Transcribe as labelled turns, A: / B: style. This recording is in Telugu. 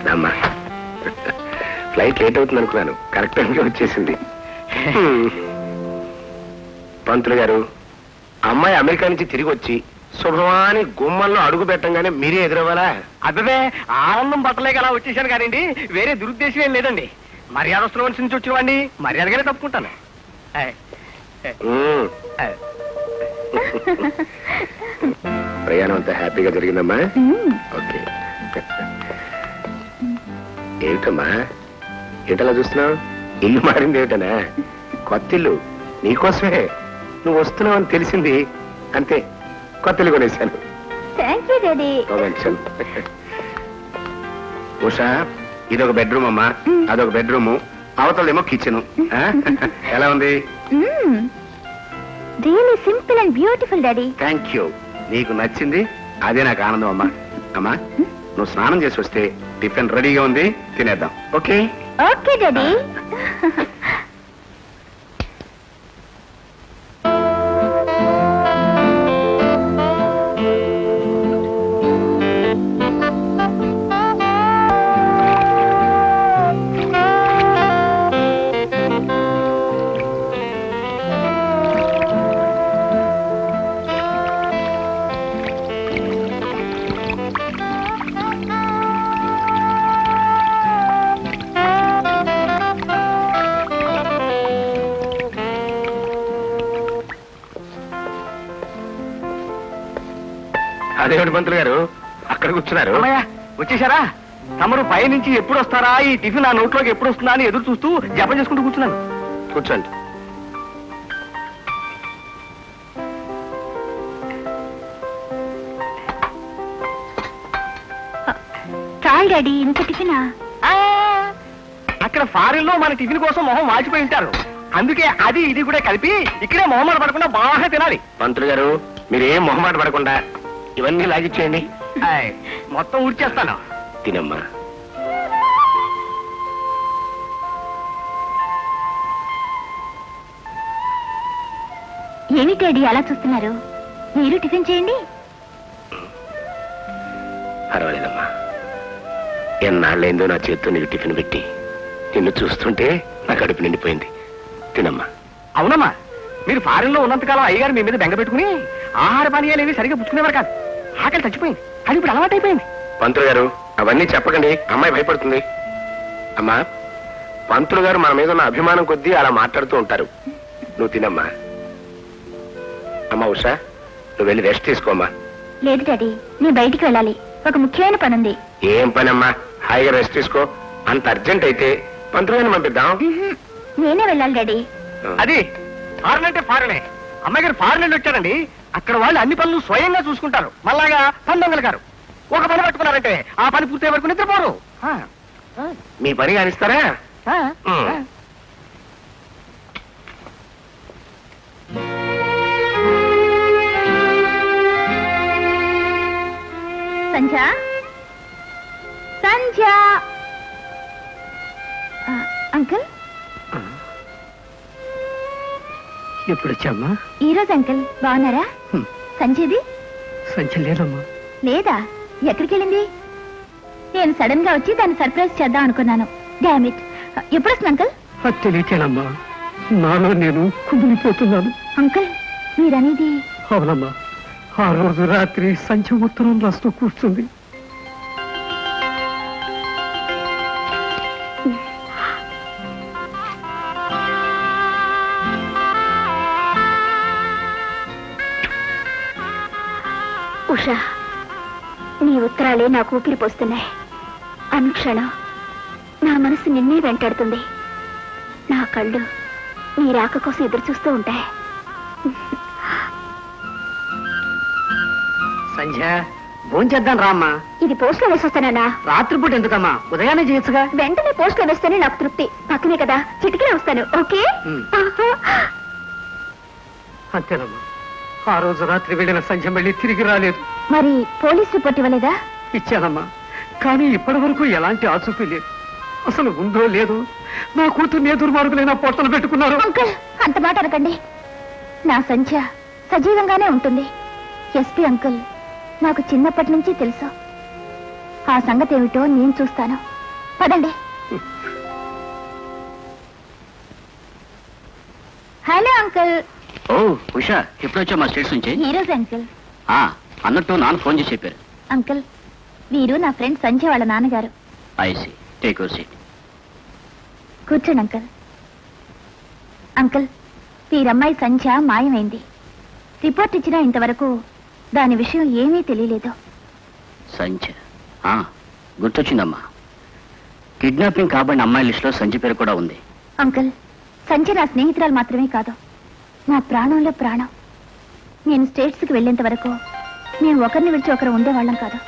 A: అమ్మా ఫ్లైట్ లేట్ అవుతుంది అనుకున్నాను, కరెక్ట్ టైంకి వచ్చేసింది. పంతులు గారు, అమ్మాయి అమెరికా నుంచి తిరిగి వచ్చి శుభమాని గుమ్మంలో అడుగు పెట్టంగానే మీరే ఎదురవ్వాలా?
B: అబ్బే, ఆనందం బట్టలేక అలా వచ్చేసాను కానివ్వండి, వేరే దురుద్దేశం ఏం లేదండి. మర్యాదస్తుల మనిషి నుంచి వచ్చినవాడిని మర్యాదగానే తప్పుకుంటాను.
A: ప్రయాణం అంతా హ్యాపీగా జరిగిందమ్మా? ఓకే. ఏమిటమ్మా ఏంటలా చూస్తున్నావు? ఇల్లు మారింది ఏమిటనా? కొత్త ఇల్లు నీకోసమే, నువ్వు వస్తున్నావు అని తెలిసింది అంతే, కొత్త ఇల్లు కొనేసాను. ఉషా, ఇదొక బెడ్రూమ్ అమ్మా, అదొక బెడ్రూము, అవతలేమో కిచెన్. ఎలా ఉంది?
C: Really simple and beautiful daddy.
A: Thank you. నీకు నచ్చింది అదే నాకు ఆనందం అమ్మా. అమ్మా, నువ్వు స్నానం చేసి వస్తే టిఫిన్ రెడీగా ఉంది, తినేద్దాం. ఓకే?
C: Okay daddy.
A: అదేమిటి పంతులు గారు అక్కడ కూర్చున్నారు?
B: వచ్చేసారా? తమరు పై నుంచి ఎప్పుడు వస్తారా, ఈ టిఫిన్ నా నోట్లోకి ఎప్పుడు వస్తుందా అని ఎదురు చూస్తూ జపం చేసుకుంటూ కూర్చున్నాను.
A: కూర్చోండి.
C: చాలు డాడీ, ఇంత టిఫినా?
B: అక్కడ ఫారిన్ లో మన టిఫిన్ కోసం మొహం వాచిపోయి ఉంటారు, అందుకే అది ఇది కూడా కలిపి ఇక్కడే మొహమాట పడకుండా బాగా తినాలి.
A: పంతులు గారు, మీరేం మొహమాట పడకుండా ఇవన్నీ లాగిచ్చేయండి.
B: మొత్తం ఊడ్చేస్తాను.
A: తినమ్మా.
C: ఏమి డాడీ అలా చూస్తున్నారు? మీరు టిఫిన్ చేయండి.
A: పర్వాలేదమ్మా, ఎన్నాళ్ళైందో నా చేతితో నీకు టిఫిన్ పెట్టి నిన్ను చూస్తుంటే నా కడుపు నిండిపోయింది. తినమ్మా.
B: అవునమ్మా, మీరు ఫారిన్ లో ఉన్నంతకాలం అయ్యగారు మీ మీద బెంగ పెట్టుకుని ఆహార పానీయాలు ఏవి సరిగా పుచ్చుకునేవారు కాదు. ఆకలి చచ్చిపోయింది, అది ఇప్పుడు అలవాటైపోయింది.
A: పంతులు గారు, అవన్నీ చెప్పకండి, అమ్మాయి భయపడుతుంది. అమ్మా, పంతులు గారు మన మీద ఉన్న అభిమానం కొద్దీ అలా మాట్లాడుతూ ఉంటారు. నువ్వు తినమ్మా. అమ్మా ఉషా, నువ్వు వెళ్ళి రెస్ట్ తీసుకోమ్మా.
C: లేదు డాడీ, నేను బయటికి వెళ్ళాలి, ఒక ముఖ్యమైన పని ఉంది.
A: ఏం పని అమ్మా? హాయిగా రెస్ట్ తీసుకో. అంత అర్జెంట్ అయితే పంతులు గారిని పంపిద్దాం.
C: నేనే వెళ్ళాలి డాడీ.
B: అది ఫారెన్ అంటే ఫారెనే. అమ్మాయి గారు ఫారెన్ నుండి వచ్చారండి, అక్కడ వాళ్ళు అన్ని పనులు స్వయంగా చూసుకుంటారు. మళ్ళాగా పందొంగలు గారు ఒక పని పట్టుకున్నారంటే ఆ పని పూర్తయ్యే వరకు నిద్రపోరు.
A: మీ పని కానిస్తారా?
C: సంధ్య, సంధ్య. అంకుల్
B: ఎప్పుడు వచ్చామ్మా?
C: ఈ రోజు అంకుల్. బాగున్నారా? సంధ్యది?
B: సంచి లేదమ్మా.
C: లేదా? ఎక్కడికి వెళ్ళింది? నేను సడన్ గా వచ్చి దాన్ని సర్ప్రైజ్ చేద్దాం అనుకున్నాను. డామిట్. ఎప్పుడు వస్తుంది అంకుల్?
B: అది తెలియచేనమ్మా, నాలో నేను కుమిలిపోతున్నాను.
C: అంకుల్, మీరనేది?
B: అవునమ్మా, ఆ రోజు రాత్రి సంచి ఉత్తరం రాస్తూ కూర్చుంది.
C: ఉషా, నీ ఉత్తరాలే నాకు ఊపిరి పోస్తున్నాయి. అనుక్షణం నా మనసు నిన్నే వెంటాడుతుంది. నా కళ్ళు నీ రాక కోసం ఎదురు చూస్తూ ఉంటాయి.
B: సంధ్య, భోంచేద్దాం రామ్మా.
C: ఇది పోస్ట్ లో వేసొస్తానా?
B: రాత్రిపూట ఎందుకమ్మా, ఉదయాన్నే చేయొచ్చుగా.
C: వెంటనే పోస్ట్ లో వేస్తేనే నాకు తృప్తి. పక్కనే కదా, చిటికనే వస్తాను. ఓకే?
B: అంతేనమ్మా, ఆ రోజు రాత్రి వెళ్ళిన సంధ్య మళ్ళీ తిరిగి రాలేదు.
C: మరి పోలీస్ రిపోర్ట్ ఇవ్వలేదా?
B: ఇచ్చానమ్మా, కానీ ఇప్పటి వరకు ఎలాంటి ఆచూకీ లేదు. అసలు ఉందో లేదో నా కూతుర్ని దుర్మార్గులైన పొట్టలు పెట్టుకున్నారు.
C: అంకుల్, అంత మాట అనకండి. నా సంధ్య సజీవంగానే ఉంటుంది. ఎస్పీ అంకుల్ నాకు చిన్నప్పటి నుంచి తెలుసు. ఆ సంగతి ఏమిటో నేను చూస్తాను. పదండి. Hello uncle.
D: ఓ ఉషా, ఎప్పుడొచ్చా మా స్టేట్స్ నుంచి?
C: ఈ రోజు అంకుల్.
D: అన్నట్టు నాన్న ఫోన్ చేసి చెప్పారు.
C: అంకుల్, వీరు నా ఫ్రెండ్ సంజయ్ వాళ్ళ నాన్నగారు.
D: I see, take your seat.
C: కూర్చోండి అంకుల్. అంకుల్, వీరమ్మాయి సంధ్య మాయమైంది. రిపోర్ట్ ఇచ్చినా ఇంతవరకు దాని విషయం ఏమీ తెలియలేదు.
D: సంజయ్, గుర్తొచ్చిందమ్మా. కిడ్నాపింగ్ కాబడిన అమ్మాయి లిస్టులో సంజయ్ పేరు కూడా ఉంది.
C: అంకుల్, సంధ్య నా స్నేహితురాలు మాత్రమే కాదు, నా ప్రాణంలో ప్రాణం. నేను స్టేట్స్కి వెళ్ళేంత వరకు మేము ఒకరిని విడిచి ఒకరు ఉండేవాళ్ళం కాదు.